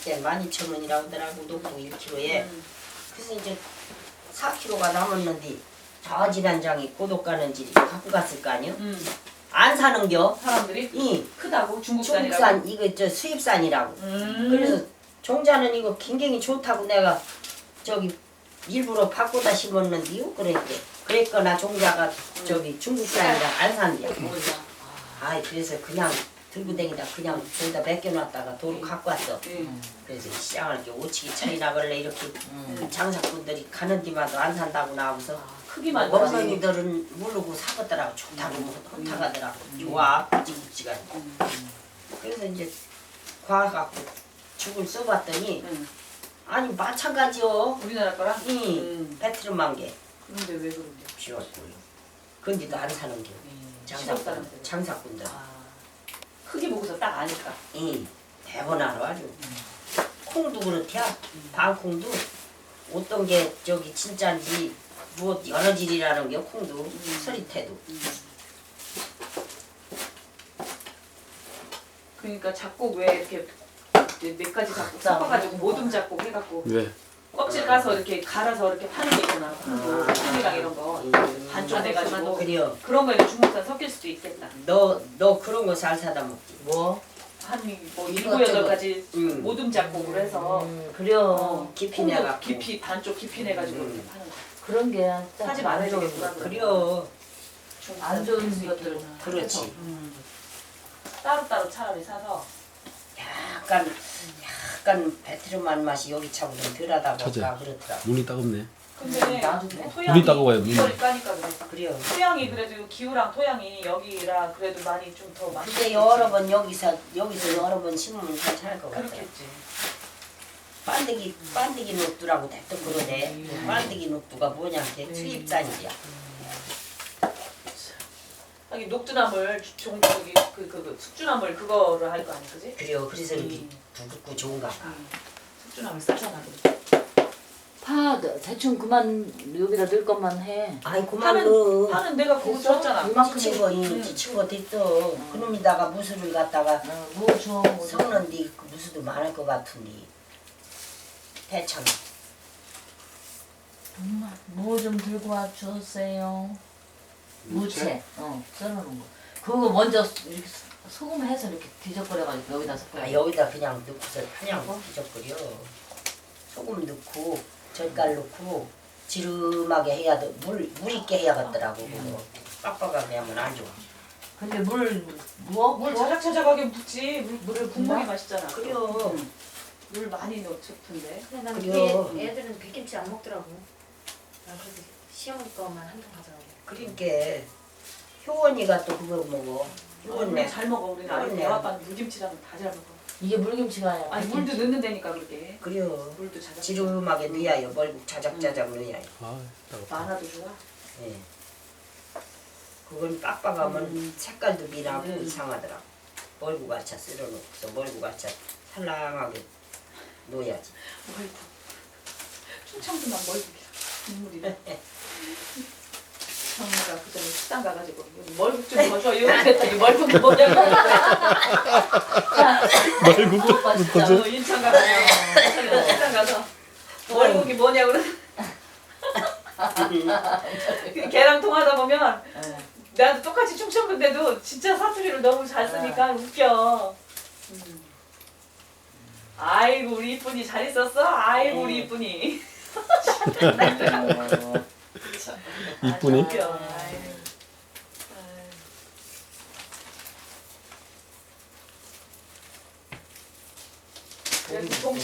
당시엔 12,000원이라고 하더라고. 녹두 1kg에. 그래서 이제 4kg가 남았는데 저 지난장이 고독 가는 집이 갖고 갔을 거 아니요? 안 사는겨. 사람들이 크다고 중국산이라고. 중국산 이거 저 수입산이라고. 그래서 종자는 이거 굉장히 좋다고 내가 저기 일부러 바꾸다 심었는데요. 그랬거나 종자가 저기 중국산이라 안 산대요. 아 그래서 그냥 들고 다니다 그냥 저기다 맡겨놨다가 도로 갖고 왔어. 그래서 시장을 이렇게 오치기 차이나 벌래 이렇게 장사꾼들이 가는 데마다 안 산다고 나오면서 크기만 어머니들은 모르고 사겠더라고. 좋다고 혼탁하더라고. 좋아 묵직묵직한. 그래서 이제 과갖고 죽을 써봤더니 아니 마찬가지요. 우리나라 거랑? 배트름한 게 근데 왜 그런데? 비웠고요. 근데도 안 사는 게 장사꾼들. 크기 보고서 딱 아니까. 대번하러 아주. 콩도 그렇대야. 방콩도 어떤 게 저기 진짜인지 뭐 여러 질이라는 게 콩도 서리태도. 그러니까 작곡 왜 이렇게 몇 가지 작곡 섞어가지고 모둠 작곡 해갖고 왜? 껍질 까서 이렇게 갈아서 이렇게 파는 게 있구나. 콩이랑 이런 거 반쪽 내가지고 그래요. 그런 거에도 중국산 섞일 수도 있겠다. 너 그런 거 잘 사다 먹지. 뭐? 한뭐 이거 7, 저거. 8가지 모둠 작곡을 해서 그래요. 깊이 콩도 내가 깊이 반쪽 깊이 내가지고 이렇게 파는 거. 그런 게 사지 말아야 되겠구나. 그래요. 안 좋은 것들은 그렇지. 따로따로 차라리 사서 약간 배트름한 맛이 여기 차고 좀 덜하다 찾아. 보니까 그렇더라. 눈이 따갑네. 근데 나도 그래. 눈이 따가워요, 눈이. 이걸 까니까 그래. 그래요. 토양이 그래도 기후랑 토양이 여기라 그래도 많이 좀 더 많이. 근데 여러 번 여기서 여러 번 심으면 괜찮을 것 같아. 그렇겠지. 반드기 녹두라고 대뜸 그러네. 반드기 녹두가 뭐냐 게 수입산이야. 하긴 녹두나물 종저기 그 숙주나물 그거를 할 거 아니 그지? 그래요. 그래서 이렇게 부럽고 좋은가 봐. 숙주나물 싸잖아. 파 대충 그만 여기다 넣을 것만 해. 아이 그만 넣어. 파는 내가 그거 그죠? 줬잖아. 이만큼 지친 거 지친 거 됐어. 그놈에다가 무수를 갖다가 뭐 줘. 섞는데 그 무수도 많을 것 같은데. 대참. 뭐좀 들고 와 주세요. 무채. 썰어놓은 거. 그거 먼저 이렇게 소금 해서 이렇게 뒤적거려가지고 여기다 섞어. 아 여기다 그냥 넣고서 그냥 뒤적거려. 소금 넣고 젓갈 넣고 지름하게 해야 돼. 물 있게 해야겠더라고. 그거 빡빡하게 하면 안 좋아. 근데 물 부어? 물 자작자작하게 붓지. 물을 국물이 맛있잖아. 그래요. 물 많이 넣어 좋던데. 근데 나는 그래요. 애들은 백김치 안 먹더라고. 나 그래서 시어머니 거만 한 통 가져가고. 그러니까 효원이가 또 그거 먹어. 우리 효원네. 잘 먹어. 우리는 아니 그러네. 내 아빠는 물김치라면 다 잘 먹어. 이게 물김치가 아니야. 아니 물도 넣는 데니까 그렇게. 그래요. 물도 자작. 지름하게 넣어야요. 멀고 자작자작 넣어야요. 아, 따갑다. 많아도 좋아. 예. 그건 빡빡하면 색깔도 미나고 이상하더라고. 멀고 가차 쓸어놓고서 멀고 가차 살랑하게 넣어야지. 멀고. 충청도만 멀고기야. 국물이래. 정우가 그전에 식당 가가지고 멀국 좀 더줘요. 그랬더니 멀국이 뭐냐고. 말국도 진짜 인천 가서 식당 가서 멀국이 뭐냐고 그래. 걔랑 통하다 보면 나도 똑같이 충청도인데도 진짜 사투리를 너무 잘 쓰니까 웃겨. 아이고 우리 이쁜이 잘 있었어? 아이고 우리 이쁜이. 이쁜이? 아주 웃겨. 아이고.